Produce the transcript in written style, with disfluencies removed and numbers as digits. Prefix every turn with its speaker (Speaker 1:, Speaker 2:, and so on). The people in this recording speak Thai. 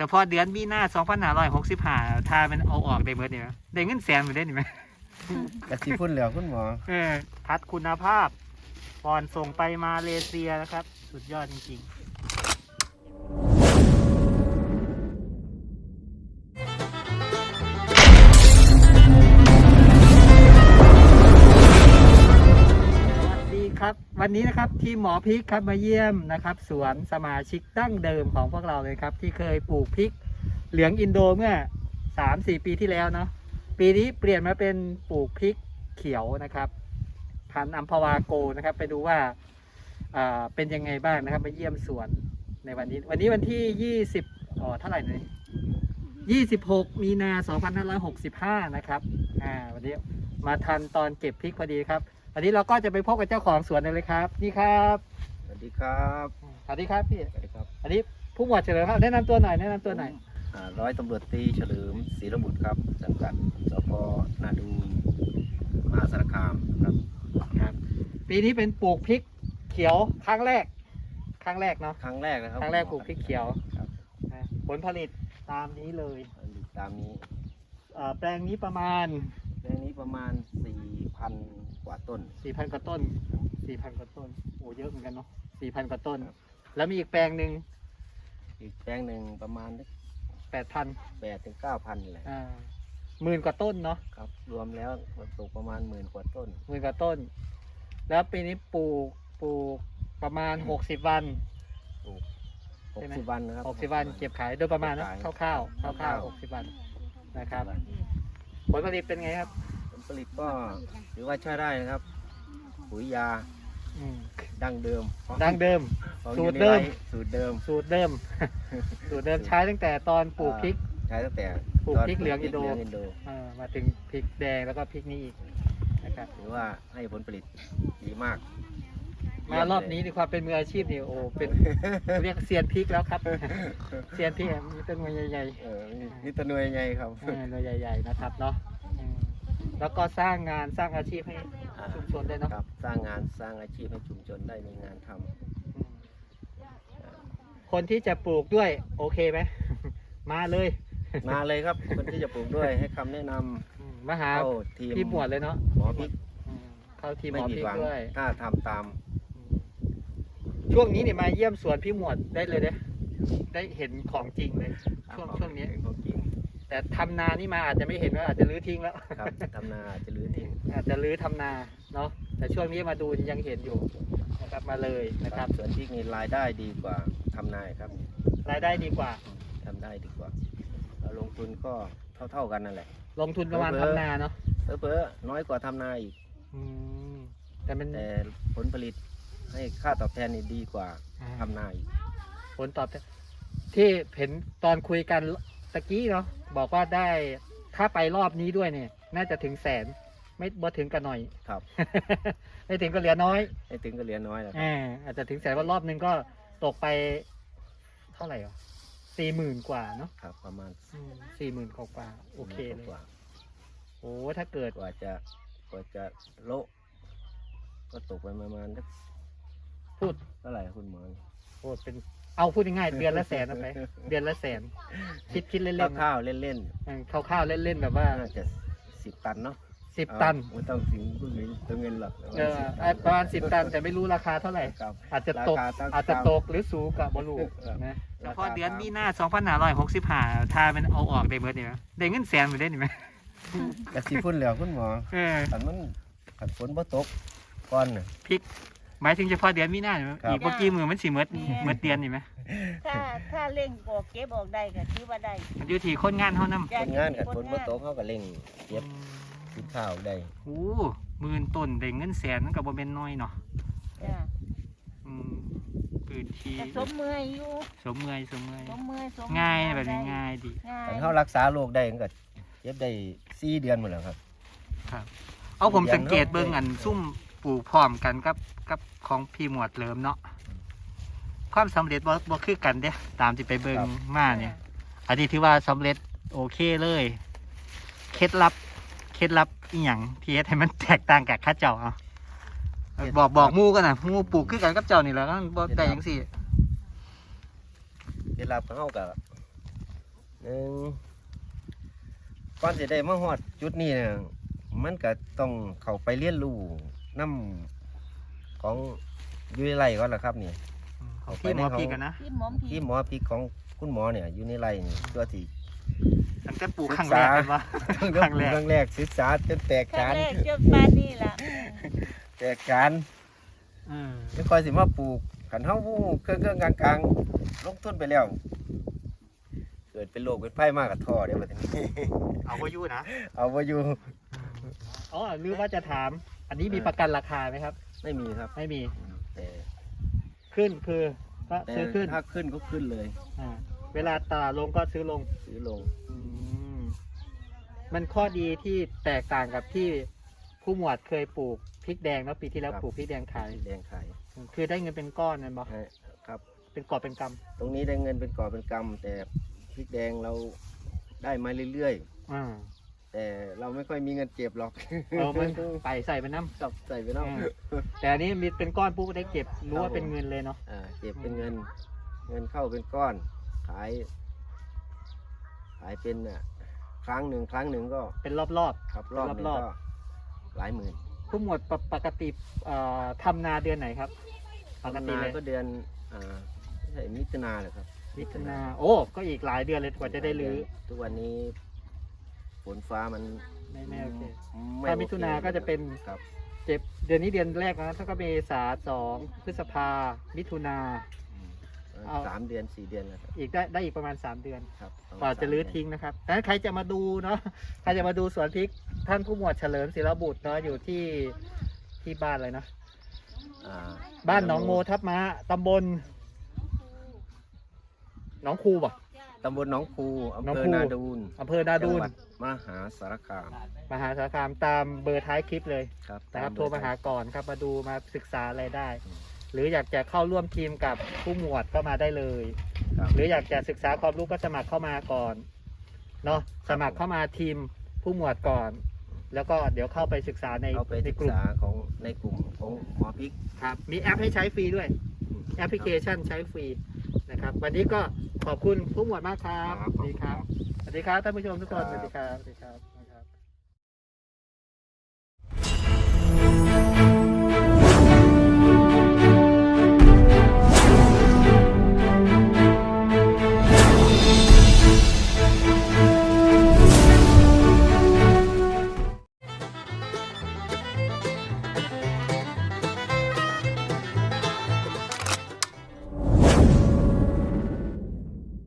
Speaker 1: ฉพาะเดือนมีนา2565ถ้ามันเอาออกได้เบิดนี่ได้เงินแสนบ่ได้นี่มั้ย
Speaker 2: กะสิพุ่นแล้วคุณหมอ
Speaker 1: พัดคุณภาพก่อนส่งไปมาเลเซียนะครับสุดยอดจริงๆครับวันนี้นะครับทีมหมอพริกครับมาเยี่ยมนะครับสวนสมาชิกดั้งเดิมของพวกเราเลยครับที่เคยปลูกพริกเหลืองอินโดเมื่อ 3-4 ปีที่แล้วเนาะปีนี้เปลี่ยนมาเป็นปลูกพริกเขียวนะครับพันธุ์อัมพวาโกนะครับไปดูว่าเป็นยังไงบ้างนะครับมาเยี่ยมสวนในวันนี้วันที่20เท่าไหร่เนี่ย26 มีนา 2565นะครับวันนี้มาทันตอนเก็บพริกพอดีครับอันนี้เราก็จะไปพบกับเจ้าของสวนเลยครับนี่ครับ
Speaker 2: สวัสดีครับ
Speaker 1: สวัสดีครับพี่
Speaker 2: สวัสดีครับ
Speaker 1: อันนี้ผู้หมวดเฉลิมครับแนะนำตัวหน่อย
Speaker 2: ร้อยตำรวจตรีเฉลิมศรีระบุตรครับสังกัดสพนาดูนมหาสารคาม
Speaker 1: ครับปีนี้เป็นปลูกพริกเขียวครั้งแรกเนาะ
Speaker 2: ครั้งแรกนะครับ
Speaker 1: ครั้งแรกปลูกพริกเขียว
Speaker 2: ครับ
Speaker 1: ผลผลิตตามนี้เลย
Speaker 2: ตามนี้
Speaker 1: แปลงนี้ประมาณ
Speaker 2: 4,000 กว่าต้น
Speaker 1: 4,000 กว่าต้นโอ้เยอะเหมือนกันเนาะ4,000 กว่าต้นแล้วมีอีกแปลงหนึ่ง
Speaker 2: ประมาณ
Speaker 1: 8,000
Speaker 2: ถึง 9,000นี่แหละ
Speaker 1: 10,000 กว่าต้นเนาะ
Speaker 2: ครับรวมแล้วตกประมาณ10,000 กว่าต้น
Speaker 1: แล้วปีนี้ปลูกประมาณ60 วัน
Speaker 2: 60 วันนะครับ
Speaker 1: 60 วันเก็บขายโดยประมาณนะคร่าวๆ60 วันนะครับผลผลิตเป็นไงครับ
Speaker 2: ผลผลิตก็ถือว่าใช้ได้นะครับปุ๋ยยาดั้งเดิมสูตรเดิมใช้ตั้งแต่ตอนปลูกพริกปลูกพริกเหลืองอินโดมาถึงพริกแดงแล้วก็พริกนี้อีกนะครับถือว่าให้ผลผลิตดีมาก
Speaker 1: มารอบนี้ในความเป็นมืออาชีพนี่โอ้เป็นเรียกเซียนพริกแล้วครับเซียนพริกมีต้นหน่วยใหญ่
Speaker 2: ๆนี่ต้นหน่วยใหญ่ครับ
Speaker 1: หน่วยใหญ่ๆนะครับเนาะแล้วก็สร้างงานสร้างอาชีพให้ชุมชนได้เนาะ
Speaker 2: สร้างงานสร้างอาชีพให้ชุมชนได้มีงานท
Speaker 1: ำคนที่จะปลูกด้วยโอเคไหมมาเลย
Speaker 2: ครับคนที่จะปลูกด้วยให้คำแนะน
Speaker 1: ำมาหาพี่หมวดเลยเนาะ
Speaker 2: หมอพริก
Speaker 1: เข้าทีมหมอพริกด้วย
Speaker 2: ถ้าทำตาม
Speaker 1: ช่วงนี้เนี่ยมาเยี่ยมสวนพี่หมวดได้เลยได้เห็นของจริงเลยช่วงนี้
Speaker 2: ของจริง
Speaker 1: แต่ทำนานี่มาอาจจะไม่เห็นว่าอาจจะรื้อทิ้งแล้ว
Speaker 2: ครับทำนาจะรื้อทิ้ง
Speaker 1: อาจจะรื้อทำนาเนาะแต่ช่วงนี้มาดูยังเห็นอยู่นะครับมาเลยนะครับ
Speaker 2: สวนพริกมีรายได้ดีกว่าทำนาครับ
Speaker 1: รายได้ดีกว่า
Speaker 2: ทำได้ดีกว่าลงทุนก็เท่ากันนั่นแหละ
Speaker 1: ลงทุนประมาณทำนาเนาะ
Speaker 2: เพ้อน้อยกว่าทำนาอีกแต่ผลผลิตให้ค่าตอบแทนนี่ดีกว่าทำนาอีก
Speaker 1: ผลตอบแทนที่เห็นตอนคุยกันตะกี้เนาะบอกว่าได้ถ้าไปรอบนี้ด้วยเนี่ยน่าจะถึง100,000ไม่บ่ถึงกันหน่อย
Speaker 2: ครับ
Speaker 1: ไม่ถึงก็เหลือน้อย
Speaker 2: แล้ว
Speaker 1: อาจจะถึง100,000ว่ารอบนึงก็ตกไปเท่าไหร่อ่ะ40,000 กว่าเนาะ
Speaker 2: ครับประมาณ
Speaker 1: 40,000 กว่าโอเคเลยโอ้ถ้าเกิด
Speaker 2: กว่าจะโละก็ตกไปประมาณ
Speaker 1: พูด
Speaker 2: เท่าไหร่คุณหมอ
Speaker 1: เป็นพูดง่ายๆเดือนละ100,000ไปเดือนละ100,000คิดเล่น
Speaker 2: ๆข้าวเล่น
Speaker 1: ๆข้าวเล่นๆแบบว่า
Speaker 2: จะ10 ตันเนาะ
Speaker 1: 10 ตัน
Speaker 2: ไม่ต้องถึงตัวเงินหรอก
Speaker 1: ประมาณ10 ตันแต่ไม่รู้ราคาเท่าไหร่อาจจะตกหรือสูงกับบอลูนะเฉพาะเดือนมีนา2565ถ้ามันเอาออกได้เบิดนี่ได้เงินแสนไปได้นี่ไหม
Speaker 2: กะสิพุ่นแล้วคุณหมอขันฝนบ่ตกก่อน
Speaker 1: พริกหมายถึงเฉพาะเดือนมีนาอีกเมื่อกี้มือมันสิเมื่อเดือนนี่ไหม
Speaker 3: ถ้าเร่งบอกเก็บบอกได้ก็ถือว่าได้
Speaker 1: มันอยู่ที่คนงานเท่านั้น
Speaker 2: คนงานกับฝนบ่ตกเขาก็เร่งเก็บข้าวได้
Speaker 1: 10,000 ต้นได้เงินแสนนั่นก็บ่เป็นน้อยเนาะพื้นที่
Speaker 3: สมเมื่อยอยู่
Speaker 1: สมเมื่อยง่ายแบบนี้ง่ายดี
Speaker 2: แต่เขารักษาโรคได้ก็เก็บได้4 เดือนหมดแล้วครับ
Speaker 1: ผมสังเกตเบิ่งอันซุ่มปลูกพร้อมกันกับของพี่หมวดเลิมเนาะความสำเร็จบ่คือกันเด้ตามที่ไปเบิ่งมาเนี่ยอันนี้ถือว่าสำเร็จโอเคเลยเคล็ดลับอีหยังที่เฮ็ดให้มันแตกต่างกับข้าเจ้าบอกหมู่กันน่ะหมู่ปลูกคือกันกับเจ้านี่แหละบ่ได้จังซี่
Speaker 2: เคล็ดลับของเฮาก็หนึ่งก่อนจะได้มาฮอดจุดนี้เนี่ยมันก็ต้องเข้าไปเรียนรู้น้ำของอยู่ในไร่ก่อนล่ะครับนี่
Speaker 1: ของพี่หมอพีกันนะ
Speaker 3: ที่หมอม
Speaker 2: ที่หมอพริกของคุณหมอเนี่ยอยู่ในไร่นี่ตัวที่
Speaker 1: ตั้งแต่ปลูกครั้งแรกกันวะ ครั้งแรก
Speaker 2: ครั้งแรกศึกษาจนแตก
Speaker 3: ครั้
Speaker 2: ฉาง น
Speaker 3: แรกจนปานนี้ล่ะ
Speaker 2: แตกฉาน
Speaker 1: อืม
Speaker 2: ไม่ค่อยสิมาปลูกขันเฮาเครื่องกลางๆลงทุนไปแล้ว เกิดเป็นโรคเป็นไข้มากกับท่อเดี๋ยวมาทีนี้
Speaker 1: เอาไว้อยู่นะ
Speaker 2: เอาไว้อยู่
Speaker 1: อ๋อหรือว่าจะถาม อันนี้มีประกันราคาไหมครับ
Speaker 2: ไม่มีครับ
Speaker 1: ไม่มี
Speaker 2: แต่
Speaker 1: ขึ้นคือก็
Speaker 2: แต่
Speaker 1: ซื้อขึ้น
Speaker 2: ถ้าขึ้นก็ขึ้นเลย
Speaker 1: อ่าเวลาตลาดลงก็ซื้อลง
Speaker 2: ซื้อลง
Speaker 1: อืมมันข้อดีที่แตกต่างกับที่ผู้หมวดเคยปลูกพริกแดงแล้วปีที่แล้วปลูกพริกแดงขาย
Speaker 2: แดงขาย
Speaker 1: คือได้เงินเป็นก้อนนั่นบอก
Speaker 2: ครับ
Speaker 1: เป็นกอบเป็นก
Speaker 2: ตรงนี้ได้เงินเป็นก่อเป็นกำแต่พริกแดงเราได้มาเรื่อย
Speaker 1: ำอ่า
Speaker 2: ๆ แต่เราไม่ค่อยมีเงินเก็บหรอก
Speaker 1: เอามันไปใส่ไปน้
Speaker 2: กับใส่ไปเนาะ
Speaker 1: ำแต่อันนี้มีเป็นก้อนปุ๊บได้เก็บรู้ว่าเป็นเงินเลยเนาะ
Speaker 2: เก็บเป็นเงิน เงินเข้าเป็นก้อน ขายเป็นครั้งหนึ่งก็
Speaker 1: เป็นรอบ
Speaker 2: ครับรอบหนึง
Speaker 1: รอบ
Speaker 2: ก็หลายหมื่น
Speaker 1: ๆผู้หมวดปกติทำนาเดือนไหนครับปกติ
Speaker 2: นา
Speaker 1: เลย
Speaker 2: ก็เดือนไม่ใช่มิถุนาเหรอครับ
Speaker 1: มิถุนาโอ้ก็อีกหลายเดือนเลยกว่าจะได้รื้อ
Speaker 2: ทุกวันนี้ฝนฟ้ามัน
Speaker 1: ไม่โอเค
Speaker 2: ไม่
Speaker 1: ถ้ามิถุนาก็จะเป็น
Speaker 2: ครับ
Speaker 1: เจ็บเดือนนี้เดือนแรกนะถ้าก็เมษา2 พฤษภามิถุนา เอา
Speaker 2: 3 เดือน 4 เดือนแล้วครับ
Speaker 1: อีกได้อีกประมาณ 3 เดือน
Speaker 2: ครับ
Speaker 1: กว่าจะรื้อทิ้งนะครับดังนั้นใครจะมาดูเนาะใครจะมาดูสวนพริกท่านผู้หมวดเฉลิมศิลบุตรเนาะอยู่ที่บ้านอะไรนะ
Speaker 2: อ่า
Speaker 1: บ้านหนองโมทับม้าตำบลหนองคูป่ะ
Speaker 2: ตำบลหนองคูอำ
Speaker 1: หนอง
Speaker 2: เภอ
Speaker 1: คู
Speaker 2: นาดูน
Speaker 1: อำเภอนาดูน
Speaker 2: จังหวัดมหาสารคาม
Speaker 1: มหาสารคามตามเบอร์ท้ายคลิปเลย
Speaker 2: ครับ
Speaker 1: นะครับ
Speaker 2: ต
Speaker 1: โทรมาหาก่อนครับมาดูมาศึกษาอะไรได้ หรืออยากจะเข้าร่วมทีมกับผู้หมวดก็มาได้เลย
Speaker 2: ครับ
Speaker 1: หรืออยากจะศึกษาความรู้ก็สมัครเข้ามาก่อนเนาะสมัครเข้ามาทีมผู้หมวดก่อน แล้วก็เดี๋ยวเข้าไปศึกษาใน
Speaker 2: เอาไป
Speaker 1: ใน
Speaker 2: ศึก
Speaker 1: กลุ่ม
Speaker 2: ษาของในกลุ่มของหมอพริก
Speaker 1: ครับมีแอปให้ใช้ฟรีด้วย แอปพลิเคชันใช้ฟรีนะครับ วันนี้ก็ขอบคุณผู้หมวดมากครับ
Speaker 2: ครับ
Speaker 1: สวัสดีครับ สวัสดีครับท่านผู้ชมทุกคน
Speaker 2: ครับ
Speaker 1: สวัสดีครับสวัสดีครับ